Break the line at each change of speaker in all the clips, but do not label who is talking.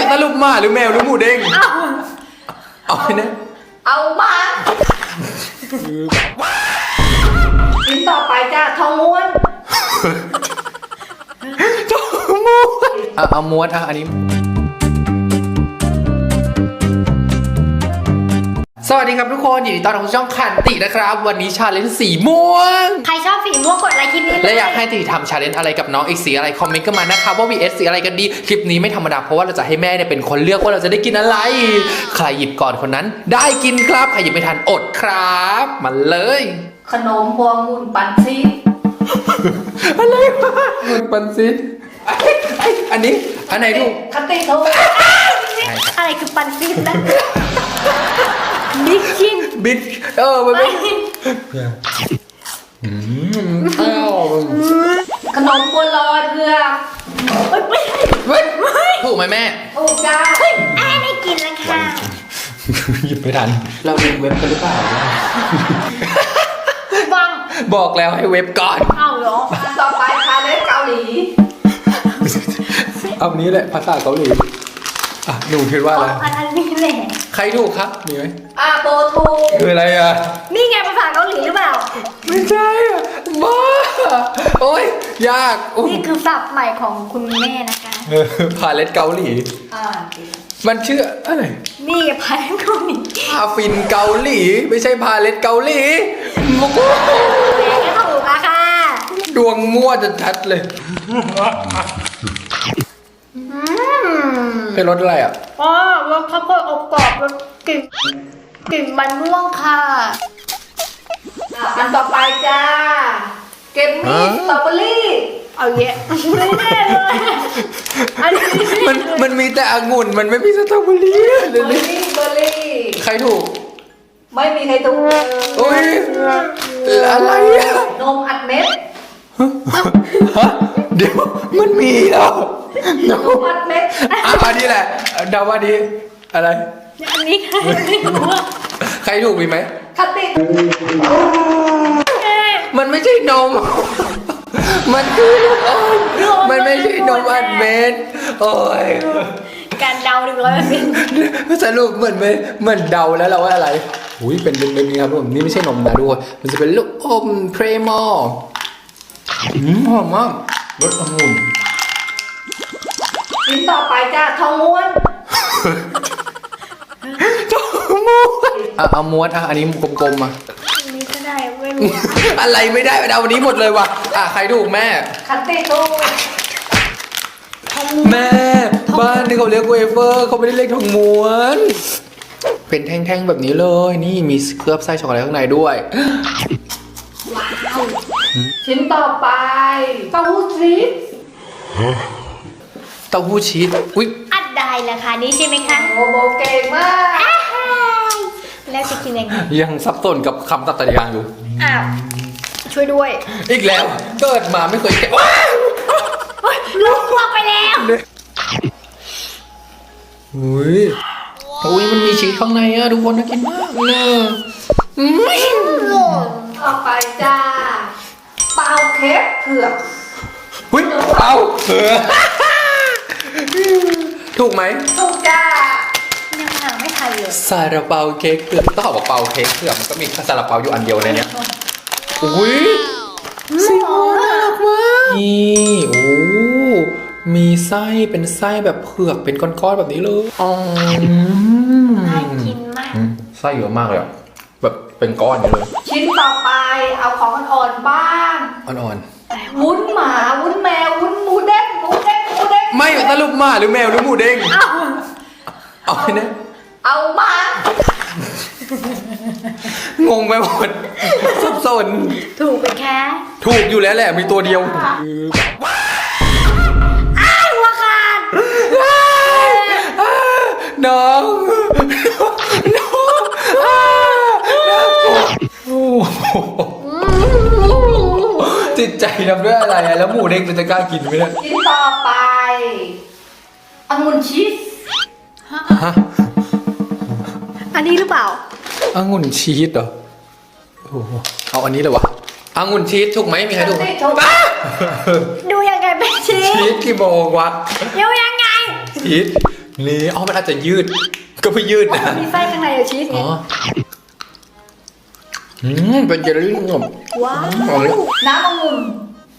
สรุปหมาหรือแมวหรือหมูเด้งเอาไปนะ
เอามาชิ้นต่อไปจ้าทองม้วน
ทองม้วนเอาม้วนอันนี้สวัสดีครับทุกคนยินดีต้อนรับสู่ช่องคันตินะครับวันนี้ชาเลนจ์สีม่วง
ใครชอบสีม่วงกดไลค์คลิปนี้
และอยากให้ติทำชาเลนจ์อะไรกับน้องอีกสีอะไรคอมเมนต์กันมานะครับว่า vs สีอะไรกันดีคลิปนี้ไม่ธรรมดาเพราะว่าเราจะให้แม่เนี่ยเป็นคนเลือกว่าเราจะได้กินอะไรใครหยิบก่อนคนนั้นได้กินครับใครหยิบไม่ทันอดครับมาเลย
ขนมพวงมูลปันซี
อะไรวะมูลปันซีอันนี้อันไหนดู
คันติถูกอะไรคือปันซีนะบิ๊กชิน
บิ๊กมันไม่
ขนมบัวลอยเผือก
ถูกไหมแม่
ถูกจ้าได้กินแล้วค่ะ
หยิบไม่ทันเราดูเว็บกันหรือเปล่า
ฟัง
บอกแล้วให้เว็บก่อน
เอาเหรอต่อไปค่ะเล่นเกาหลี
เอานี้แหละภาษาเกาหลีหนูคิดว่าอะไร
อันนี้แหละ
ใครถูกครับมีไหม
โบทู
คืออะไร
นี่ไงภาษาเกาหลีหรือเปล่า
ไม่ใช่บ้าโอ้ยยาก
นี่คือศัพท์ใหม่ของคุณแม่นะคะ
พาเลตเกาหลีมันชื่ออะไร
นี่พาเลตเกาหลี
พาฟินเกาหลีไม่ใช่พาเลตเกาหลี
แม่ก็ถูกค่ะ
ดวงมั่วจะชัดเลยเป็นรสอะไร
รสข้าวโพดอบกรอบรสกลิ่นมันม่วงค่ะอันต่อไปจ้าเกมมี่สตรอเบอรี่เอาเยอะไม่แน่เลย
มันมีแต่องุ่นมันไม่มีสตรอเบอรี่
เบอร์รี่
ใครถูก
ไม่มีใครถูก
โอ้ยอะไร
นมอัดเม็ด
เดี๋ยวมันมีเหรอน
มอัดเม็ด
อันนี้แหละเดาว่าดีอะไร
อันนี้
ใครถูกมีไหม
คัตติ
มันไม่ใช่นมมันคือลูกอมมันไม่ใช่นมอัดเม็ดโอ้ย
การเดา100%
สรุปเหมือนเดาแล้วเราว่าอะไรอุ้ยเป็นนี้ครับผมนี่ไม่ใช่นมนะด้วยมันจะเป็นลูกอมเพรมอลหอมมากรสองุ่น
ชิ้นต่อไปจ้าทองม้วน
ทองม้วนเอาม้วนอันนี้กลมๆ
อันนี้ก็ได้ไม่รู้
อะไรไม่ได้เอาวันนี้หมดเลยว่ะใครถูกแม่
คันติถูก
แม่บ้านที่เขาเรียกเวเฟอร์เขาไม่ได้เรียกทองม้วนเป็นแท่งๆแบบนี้เลยนี่มีเคลือบไส้ช็อกโกแลตข้างในด้วย
ว้าวชิ้นต่อไปเต้าหู้ชีส
เต้าหู้ชีสอุ๊ย
อัดได้ราคานี้ใช่ไหมคะโอ้โหเก่งมากแล้วจะกินยังไง
ยังสับสนกับคำตัดตะยางอยู่
ช่วยด้วย
อีกแล้วเกิดมาไม่เคยแกะ
ลูกวางไปแล้ว
อุ้ยมันมีชีสข้างในทุกคนน่ากินมากเลย
ต่อไปจ้าเปาเค้กเผือก
เปาถูกไหม
ถูกจ้ายังหาไม่ทันเลย
ซาลาเปาเค้กเผือกต้องบอกเปาเค้กเผือกมันก็มีซาลาเปาอยู่อันเดียวในนี้อุ้ยสีน่ารักมากนี่มีไส้เป็นไส้แบบเผือกเป็นก้อนๆแบบนี้เลย
น่ากินมาก
ไส้เยอะมากเลยแบบเป็นก้อนเลย
ชิ้นต่อไปเอาของอ่อนบ้าง
อ่อน
วุ้นหมาวุ้นแมววุ้นหมูเด้ง
ไม่สรุปหมาหรือแมวหรือหมูเด้งเอาไปนะ
เอามาง
งไปหมดสับสน
ถูกไปแค่
ถูกอยู่แล้วแหละมีตัวเดียว
หัวขาด
น้องจิตใจทำด้วยอะไรแล้วหมูเด้งจะกล้ากินไหมเนี่ย
ชิ้นต่อไปองุ่นชีสอันนี้หรือเปล่า
องุ่นชีสเหรอเอาอันนี้เลยวะองุ่นชีสถูกไหมมีใครถูก
ดูยังไงเป็นชีส
กี่โมงวะ
ดูยังไง
ชีสนี่อ๋อมันอาจจะยืด ก็ไม่ยืดนะ
มีไส้ข้างในอะชีส
อ๋
ไง
อเป็นเจลลี่งม
ว้าว
เอาเลย
น้ำองุ่น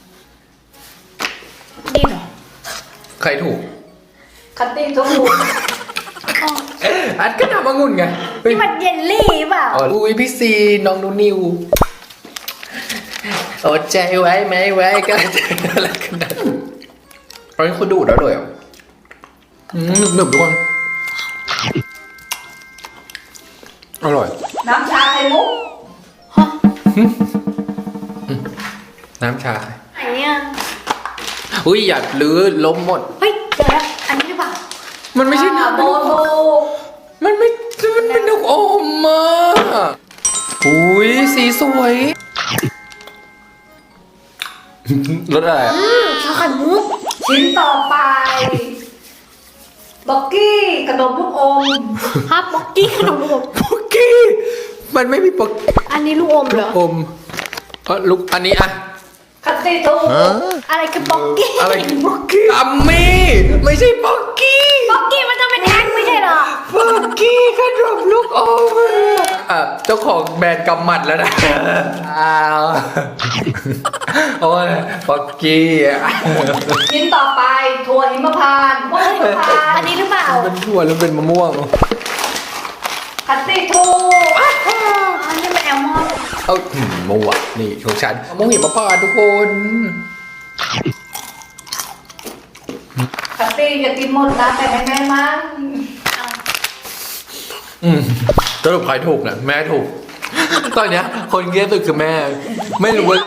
ดีเหรอ
ใครถูก
คัตติ้งทุกลูก
อัดก็ทำมางุ่นไงเฮ้ย
นี่มันเยลลี่เปล่า
อ๋ออุ้ยพี่ซีน้องนูนิวอดใจไว้ไหมไว้ก็จะอะไรกันนะตอนนี้คุณดูดแล้วเลยอ่ะหนึบๆทุกคนอร่อย
น้ำชาไข่มุก
น้ำชา
ไหนเนี่ย
อุ้ยอย่าลื้อล้มหมด
เฮ้ยเจอแล้วอันนี้หรือเปล่า
มันไม่ใช่น้ำ
โบโบ
มันเป็นนกอมมาอุ้ยสีสวยรสอะไรอ่ะ
ชาไข่มุกชิ้นต่อไปบ็อกกี้ขนมลูกอมฮะบ็อกกี้ขนมลูกอม
ป๊อกกี้มันไม่มีป๊อก
อันนี้ลูกอมเหรอ
อมลูกอันนี้อะ
คัตตี้ทูอะไรคือบ็อกกี้
อะไรป๊อกกี้อัมมี่ไม่ใช่ป๊อกกี้
บ็อกกี้มันต้องเป็นแท่งไม่ใช่เหรอ
ป๊อกกี้ขนมลูกอมเจ้าของแบรนด์กำหมัดแล้วนะอ้าวโอ้ยป๊อกกี้
ชิ้นต่อไปถั่วหิมพานต์หิมพานต์อันนี้หรือเปล่า
เป็นถั่วแล้วเป็นมะม่วง
คัตตี้ทูอันนี้เป็นแอลมอนด์
เอามะม่วงนี่ของฉันมะม่วงหิมพานต์ทุกคน
คัตตี้อย่ากินหมดนะแต่ไม่แม่มัน
สรุปใครถูกเนี่ยแม่ถูก ตอนเนี้ยคนเกลียดสุดคือแม่ ไม่รู้ว่า